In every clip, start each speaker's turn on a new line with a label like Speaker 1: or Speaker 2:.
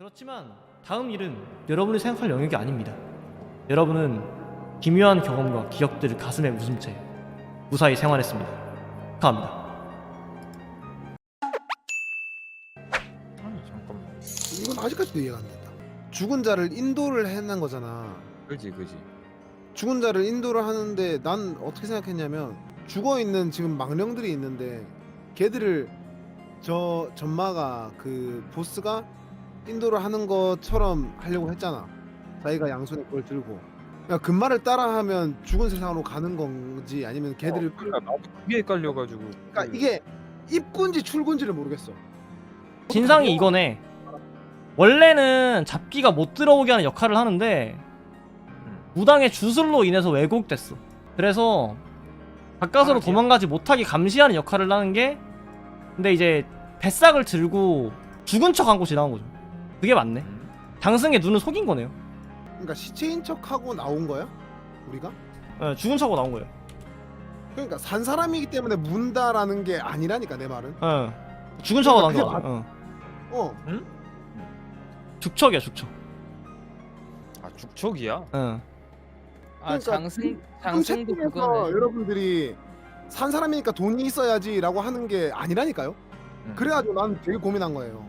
Speaker 1: 그렇지만 다음 일은 여러분이 생각할 영역이 아닙니다. 여러분은 기묘한 경험과 기억들을 가슴에 묻은 채 무사히 생활했습니다. 축하합니다.
Speaker 2: 아니 잠깐만.
Speaker 3: 이건 아직까지도 이해가 안 된다. 죽은 자를 인도를 해낸 거잖아.
Speaker 2: 그지.
Speaker 3: 죽은 자를 인도를 하는데 난 어떻게 생각했냐면 죽어 있는 지금 망령들이 있는데 걔들을 저 전마가 그 보스가 인도를 하는 것처럼 하려고 했잖아. 자기가 양손에 그걸 들고. 그러니까 그 말을 따라하면 죽은 세상으로 가는 건지 아니면 걔들을
Speaker 2: 그러니까 나도 그게 헷갈려가지고.
Speaker 3: 그러니까 이게 입구인지 출구인지를 모르겠어.
Speaker 1: 진상이 이거네. 원래는 잡기가 못 들어오게 하는 역할을 하는데 무당의 주술로 인해서 왜곡됐어. 그래서 가까스로 도망가지 못하게 감시하는 역할을 하는 게, 근데 이제 뱃삭을 들고 죽은 척 하고 지나간 거죠. 그게 맞네. 장승의 눈을 속인 거네요.
Speaker 3: 그러니까 시체인 척하고 나온 거야? 우리가?
Speaker 1: 네, 죽은 척하고 나온 거예요.
Speaker 3: 그러니까 산 사람이기 때문에 문다라는 게 아니라니까 내 말은.
Speaker 1: 네. 죽은 척하고 나온
Speaker 3: 그게
Speaker 1: 거죠.
Speaker 3: 어.
Speaker 1: 죽척이야, 죽척.
Speaker 2: 아 죽척이야?
Speaker 1: 응.
Speaker 4: 아
Speaker 3: 그러니까
Speaker 4: 장승도
Speaker 3: 그래서
Speaker 4: 그거네.
Speaker 3: 여러분들이 산 사람이니까 돈이 있어야지라고 하는 게 아니라니까요. 그래가지고 난 되게 고민한 거예요.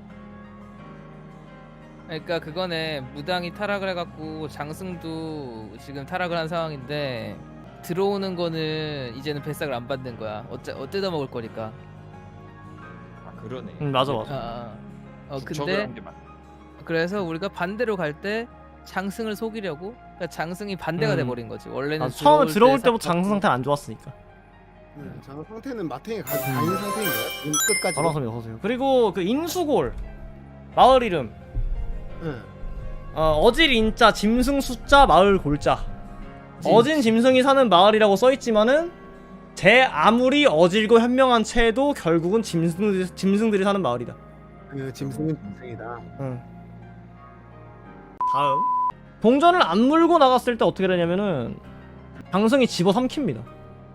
Speaker 4: 그러니까 그거네. 무당이 타락을 해갖고 장승도 지금 타락을 한 상황인데 들어오는 거는 이제는 뱃삭을 안 받는 거야. 뜯어 먹을 거니까.
Speaker 2: 아 그러네.
Speaker 1: 맞아.
Speaker 2: 죽척을
Speaker 4: 근데
Speaker 2: 한게 맞.
Speaker 4: 그래서 우리가 반대로 갈 때 장승을 속이려고, 그러니까 장승이 반대가 돼버린 거지. 원래는
Speaker 1: 처음에 들어올
Speaker 4: 때
Speaker 1: 때부터
Speaker 4: 싹
Speaker 1: 장승 상태가 안 좋았으니까.
Speaker 3: 장어 상태는 마탱에 가 있는 상태인 거야. 끝까지.
Speaker 1: 전화선이 어서오세요. 그리고 그 인수골 마을 이름
Speaker 3: 응.
Speaker 1: 어질 인자 짐승 숫자 마을 골자. 어진 짐승이 사는 마을이라고 써있지만은 제 아무리 어질고 현명한 채도 결국은 짐승들이 사는 마을이다.
Speaker 3: 그 짐승은 짐승이다.
Speaker 1: 응. 다음 동전을 안 물고 나갔을 때 어떻게 되냐면은 장승이 집어삼킵니다.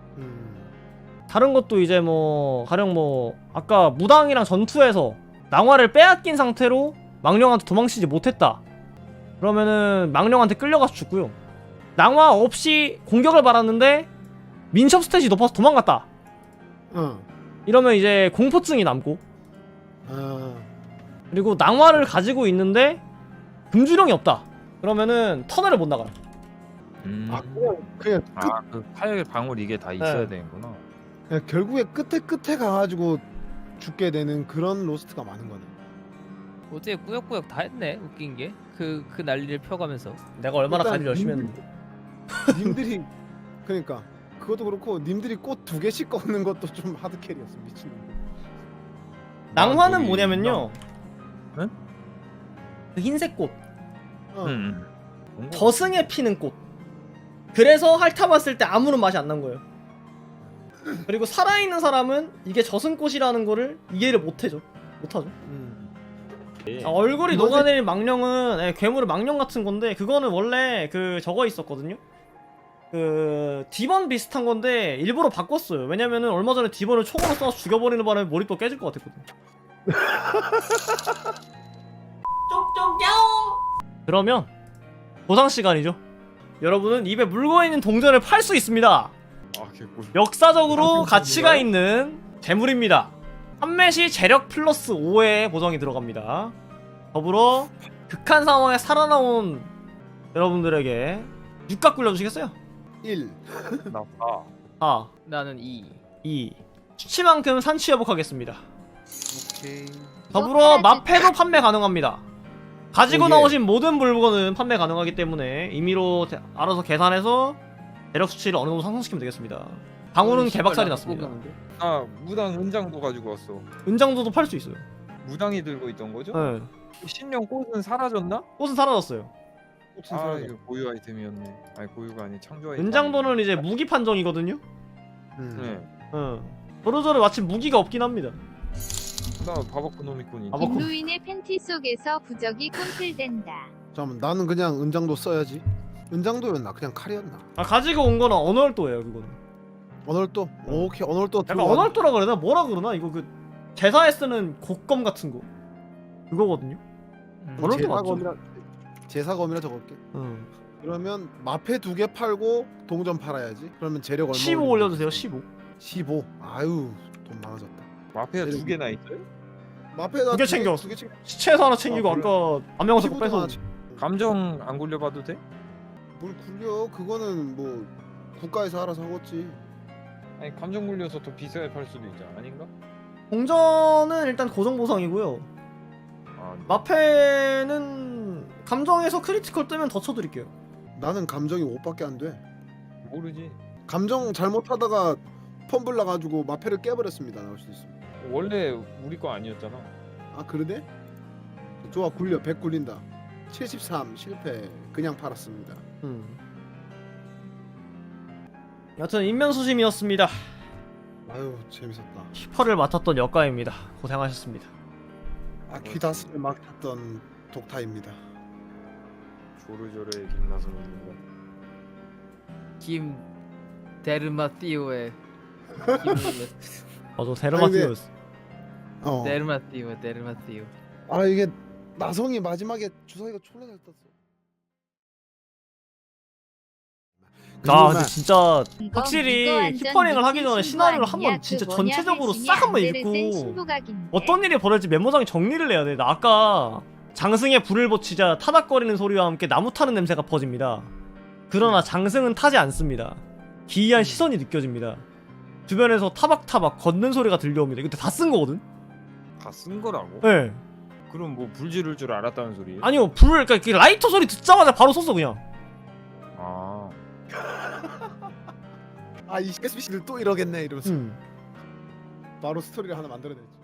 Speaker 1: 다른 것도 이제 뭐 가령 뭐 아까 무당이랑 전투에서 낭화를 빼앗긴 상태로 망령한테 도망치지 못했다 그러면은 망령한테 끌려가서 죽고요. 낭화 없이 공격을 받았는데 민첩 스탯이 높아서 도망갔다 이러면 이제 공포증이 남고, 그리고 낭화를 가지고 있는데 금주령이 없다 그러면은 터널을 못 나가요.
Speaker 3: 아 그냥 끝.
Speaker 2: 아그 파열 방울 이게 다 있어야 되는구나.
Speaker 3: 그냥 결국에 끝에 가가지고 죽게 되는 그런 로스트가 많은 거네.
Speaker 4: 어떻게 꾸역꾸역 다 했네. 웃긴 게 그 난리를 펴가면서.
Speaker 1: 내가 얼마나
Speaker 3: 일단
Speaker 1: 관리 열심히 했는데.
Speaker 3: 님들이 그러니까 그것도 그렇고 님들이 꽃 2개씩 꺾는 것도 좀 하드캐리였어. 미친놈.
Speaker 1: 낭화는
Speaker 2: 저기
Speaker 1: 뭐냐면요,
Speaker 2: 응?
Speaker 1: 그 흰색 꽃
Speaker 2: 응.
Speaker 1: 저승에 피는 꽃. 그래서 핥아봤을 때 아무런 맛이 안 난 거예요. 그리고 살아있는 사람은 이게 저승꽃이라는 거를 이해를 못하죠. 얼굴이
Speaker 3: 이거지?
Speaker 1: 녹아내린 망령은 괴물의 망령 같은 건데, 그거는 원래 그 저거 있었거든요. 그 디번 비슷한 건데 일부러 바꿨어요. 왜냐면은 얼마 전에 디번을 총으로 쏴서 죽여버리는 바람에 몰입도 깨질 것 같았거든. 그러면 보상 시간이죠. 여러분은 입에 물고 있는 동전을 팔 수 있습니다.
Speaker 2: 아 개꿀.
Speaker 1: 역사적으로 가치가 있는 재물입니다. 판매 시 재력 플러스 5의 보정이 들어갑니다. 더불어 극한 상황에 살아나온 여러분들에게 육각 굴려주시겠어요?
Speaker 3: 1.
Speaker 2: 나
Speaker 1: 4,
Speaker 4: 나는 2.
Speaker 1: 2. 수치만큼 산치 회복하겠습니다.
Speaker 3: 오케이.
Speaker 1: 더불어 마패도 판매 가능합니다. 가지고
Speaker 3: 오, 예.
Speaker 1: 나오신 모든 물건은 판매 가능하기 때문에 임의로 알아서 계산해서 재력 수치를 어느 정도 상승시키면 되겠습니다. 방울은 개박살이 났습니다.
Speaker 2: 아 무당 은장도 가지고 왔어.
Speaker 1: 은장도도 팔 수 있어요.
Speaker 2: 무당이 들고 있던 거죠?
Speaker 1: 네.
Speaker 2: 신령 꽃은 사라졌나?
Speaker 1: 꽃은 사라졌어요.
Speaker 2: 아 이거 고유 아이템이었네. 아니 고유가 아니 창조 아이템.
Speaker 1: 은장도는 이제 무기 판정이거든요.
Speaker 2: 네.
Speaker 1: 도로저를 마침 무기가 없긴 합니다.
Speaker 2: 나 바바코 노미꾼이.
Speaker 1: 바바코.
Speaker 5: 김루인의 팬티 속에서 부적이 꿈틀댄다.
Speaker 3: 잠깐만 나는 그냥 은장도 써야지. 은장도였나? 그냥 칼이었나?
Speaker 1: 가지고 온 거는 언월도예요, 그거는.
Speaker 3: 언월도? 오케이 언월도
Speaker 1: 약간 언월도라 그러나 뭐라 그러나 이거 그 제사에 쓰는 곡검 같은 거 그거거든요. 그럴 게 맞죠.
Speaker 3: 제사검이라 적을게.
Speaker 1: 응.
Speaker 3: 그러면 마패 2개 팔고 동전 팔아야지. 그러면 재력 얼마?
Speaker 1: 15
Speaker 3: 올리면
Speaker 1: 올려주세요.
Speaker 3: 되지?
Speaker 1: 15.
Speaker 3: 15. 아유 돈 많아졌다.
Speaker 2: 마페가 2개나 있어요?
Speaker 3: 마패가
Speaker 1: 2개 챙겼어.
Speaker 3: 2개 챙겨.
Speaker 1: 시체에서 하나 챙기고
Speaker 3: 아, 그래?
Speaker 1: 아까 안면서
Speaker 3: 15도
Speaker 1: 빼서
Speaker 3: 하나 챙-
Speaker 2: 감정 안 굴려봐도 돼?
Speaker 3: 뭘 굴려? 그거는 뭐 국가에서 알아서 하겠지.
Speaker 2: 아니 감정 굴려서 더 비싸게 팔 수도 있잖아. 아닌가?
Speaker 1: 동전은 일단 고정 보상이고요.
Speaker 2: 아, 네.
Speaker 1: 마패는 감정에서 크리티컬 뜨면 더 쳐드릴게요.
Speaker 3: 나는 감정이 5밖에 안 돼.
Speaker 2: 모르지.
Speaker 3: 감정 잘못하다가 펌블 나가지고 마패를 깨버렸습니다. 나올 수 있습니다.
Speaker 2: 원래 우리 거 아니었잖아.
Speaker 3: 아 그러네? 좋아 굴려 100 굴린다. 73 실패 그냥 팔았습니다.
Speaker 1: 여튼 인면수심이었습니다.
Speaker 3: 아유 재밌었다.
Speaker 1: 히퍼를 맡았던 역가입니다. 고생하셨습니다.
Speaker 3: 아퀴다스를 맡았던 독타입니다.
Speaker 2: 조르조르의 김나성입니다.
Speaker 4: 김 데르마티오의
Speaker 1: 맞아, 데르마티오스.
Speaker 3: 어.
Speaker 4: 데르마티오.
Speaker 3: 아 이게 나성이 마지막에 주사위가 졸라 잘 떴어.
Speaker 1: 아 근데 진짜
Speaker 5: 이거
Speaker 1: 확실히
Speaker 5: 이거 완전
Speaker 1: 히퍼링을 하기
Speaker 5: 미친
Speaker 1: 전에
Speaker 5: 신부
Speaker 1: 시나리오를
Speaker 5: 아니냐?
Speaker 1: 한번 진짜
Speaker 5: 그 뭐냐,
Speaker 1: 전체적으로
Speaker 5: 헬스냐,
Speaker 1: 싹 한번
Speaker 5: 안데르센
Speaker 1: 읽고
Speaker 5: 신부각인데?
Speaker 1: 어떤 일이 벌어질지 메모장에 정리를 해야 돼. 나 아까 장승에 불을 붙이자 타닥거리는 소리와 함께 나무 타는 냄새가 퍼집니다. 그러나 장승은 타지 않습니다. 기이한 시선이 느껴집니다. 주변에서 타박타박 걷는 소리가 들려옵니다. 이거 다 쓴 거거든?
Speaker 2: 다 쓴 거라고?
Speaker 1: 예.
Speaker 2: 그럼 뭐 불 지를 줄 알았다는 소리예요?
Speaker 1: 아니요, 그러니까 그 라이터 소리 듣자마자 바로 썼어, 그냥.
Speaker 2: 아,
Speaker 3: 아이 SBC들 또 이러겠네 이러면서
Speaker 1: 음.
Speaker 3: 바로 스토리를 하나 만들어냈지.